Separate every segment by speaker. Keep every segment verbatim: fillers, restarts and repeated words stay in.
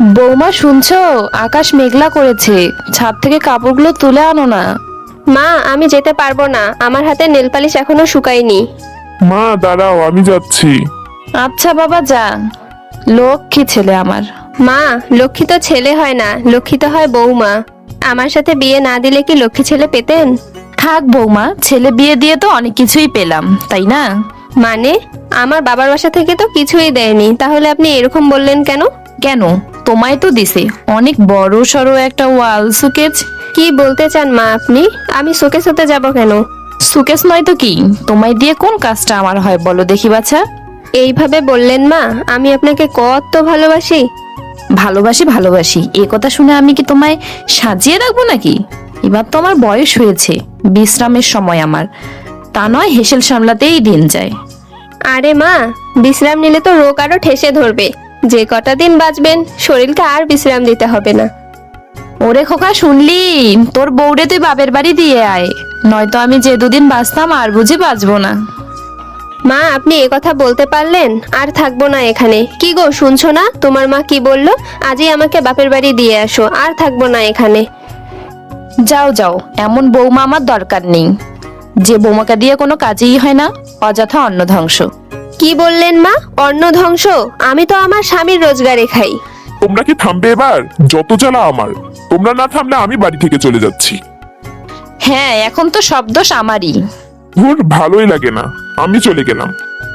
Speaker 1: বৌমা শুনছো? আকাশ মেঘলা করেছে, ছাদ থেকে কাপড়গুলো তুলে আনো না।
Speaker 2: মা, আমি যেতে পারবো না, আমার হাতে নেল পালিশ এখনো শুকায়নি।
Speaker 3: মা দাঁড়াও, আমি যাচ্ছি।
Speaker 1: আচ্ছা বাবা যা, লক্ষ্মী ছেলে আমার।
Speaker 2: মা, লক্ষ্মী তো ছেলে হয় না, লক্ষ্মী তো হয় বৌমা। আমার সাথে বিয়ে না দিলে কি লক্ষ্মী ছেলে পেতেন?
Speaker 1: থাক বৌমা, ছেলে বিয়ে দিয়ে তো অনেক কিছুই পেলাম, তাই না?
Speaker 2: মানে? আমার বাবার বাসা থেকে তো কিছুই দেয়নি, তাহলে আপনি এরকম বললেন কেন?
Speaker 1: কেন, তোমায় তো দিছে অনেক বড় সড়ো একটা ওয়াল সুকেজ।
Speaker 2: কি বলতে চান মা আপনি? আমি শোকেস হতে যাব কেন?
Speaker 1: সুকেস নয় তো কি, তোমায় দিয়ে কোন কাজটা আমার হয় বলো দেখি বাছা।
Speaker 2: এইভাবে বললেন মা, আমি আপনাকে কত ভালোবাসি।
Speaker 1: ভালোবাসি ভালোবাসি এ কথা শুনে আমি কি তোমায় সাজিয়ে রাখবো নাকি? এবার তো আমার বয়স হয়েছে, বিশ্রামের সময় আমার, তা নয় হেসেল সামলাতেই দিন যায়।
Speaker 2: আরে মা, বিশ্রাম নিলে তো রোগ আরো ঠেসে ধরবে। যে কটা দিন বাঁচবেন, শরীরকে আর বিশ্রাম দিতে হবে না।
Speaker 1: ওরে খোকা শুনলি, তোর বউরে তুই বাপের বাড়ি দিয়ে আয়, নয়তো আমি যে দুদিন বাঁচতাম আর বুঝি বাঁচবো না।
Speaker 2: মা, আপনি এ কথা বলতে পারলেন? আর থাকবো না এখানে। কি গো, শুনছো না তোমার মা কি বললো? আজই আমাকে বাপের বাড়ি দিয়ে আসো, আর থাকবো না এখানে।
Speaker 1: যাও যাও, এমন বৌমা আমার দরকার নেই, যে বৌমাকে দিয়ে কোনো কাজেই হয় না, অযথা অন্ন ধ্বংস।
Speaker 2: কি বললেন মা? অন্ন ধ্বংস? আমি তো আমার স্বামীর রোজগারে খাই।
Speaker 3: তোমরা কি থামবে এবার? যত জ্বালা আমার। তোমরা না থামলে আমি বাড়ি থেকে চলে যাচ্ছি।
Speaker 1: হ্যাঁ, এখন তো সব দোষ আমারই।
Speaker 3: ধুর, ভালোই লাগে না, আমি চলে গেলাম।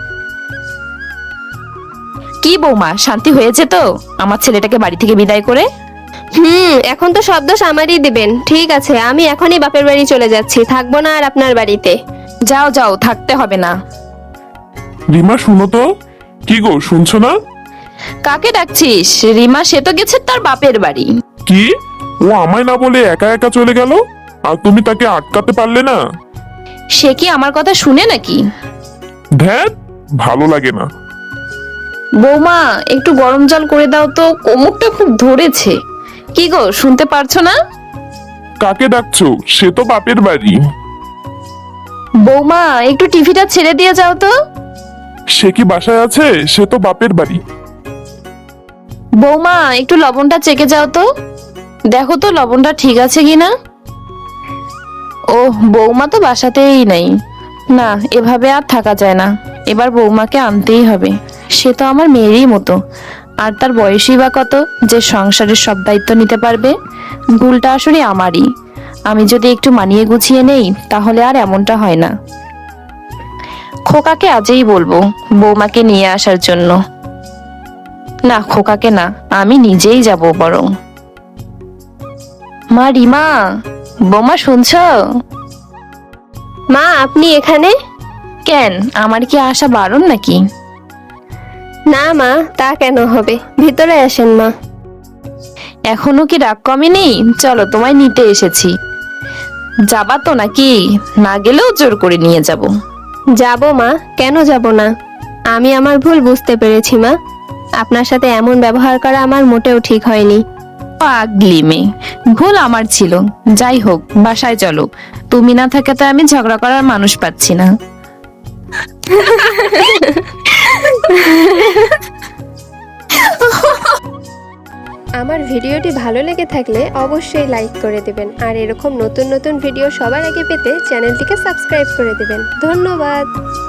Speaker 1: কি বৌমা, শান্তি হয়েছে তো আমার ছেলেটাকে বাড়ি থেকে বিদায় করে?
Speaker 2: হুম, এখন তো সব দোষ আমারই দিবেন। ঠিক আছে, আমি এখনই বাপের বাড়ি চলে যাচ্ছি, থাকবো না আর আপনার বাড়িতে।
Speaker 1: যাও যাও, থাকতে হবে না।
Speaker 3: রিমা শুনো তো। কি গো, শুনছো না?
Speaker 1: কাকে ডাকছিস? রিমা সে তো গেছে তার বাপের বাড়ি।
Speaker 3: কি? ও আমায় না বলে একা একা চলে গেল, আর তুমি তাকে আটকাতে পারলে না?
Speaker 1: সে কি আমার কথা শুনে নাকি?
Speaker 3: ধ্যাত, ভালো লাগে না।
Speaker 1: বৌমা একটু গরম জল করে দাও তো, কোমরটা খুব ধরেছে। কি গো, শুনতে পারছো না?
Speaker 3: কাকে ডাকছো? সে তো বাপের বাড়ি।
Speaker 1: বৌমা একটু টিভিটা ছেড়ে দিয়ে যাও তো।
Speaker 3: সে কি বাসায় আছে? সে তো বাপের বাড়ি।
Speaker 1: বৌমা একটু লবণটা চেকে যাও তো, দেখো তো লবণটা ঠিক আছে কিনা। ও, বৌমা তো বাসাতেই নেই। না, এভাবে আর থাকা যায় না, এবার বৌমাকে আনতেই হবে। সে তো আমার মেয়েরই মতো, আর তার বয়সই বা কত যে সংসারের সব দায়িত্ব নিতে পারবে। ভুলটা আসলে আমারই, আমি যদি একটু মানিয়ে গুছিয়ে নেই তাহলে আর এমনটা হয় না। খোকাকে আজই বলবো বৌমাকে নিয়ে আসার জন্য। না, খোকাকে না, আমি নিজেই যাব বরং। মা, রিমা, বৌমা শুনছো?
Speaker 2: মা, আপনি এখানে?
Speaker 1: কেন, আমার কি আসা বারণ নাকি?
Speaker 2: না মা, তা কেন হবে, ভিতরে আসেন মা।
Speaker 1: এখনো কি রাগ কমেনি? চলো, তোমায় নিতে এসেছি। যাবা তো নাকি? না গেলেও জোর করে নিয়ে যাব।
Speaker 2: যাব মা, কেন যাব না? আমি আমার ভুল বুঝতে পেরেছি মা। আপনার সাথে এমন ব্যবহার করা আমার মোটেও ঠিক হয়নি।
Speaker 1: পাগলি মেয়ে, ভুল আমার ছিল। যাই হোক, বাসায় চলো, তুমি না থাকে তো আমি ঝগড়া করার মানুষ পাচ্ছি না।
Speaker 2: আমার ভিডিওটি ভালো লেগে থাকলে অবশ্যই লাইক করে দেবেন, আর এরকম নতুন নতুন ভিডিও সবার আগে পেতে চ্যানেলটিকে সাবস্ক্রাইব করে দেবেন। ধন্যবাদ।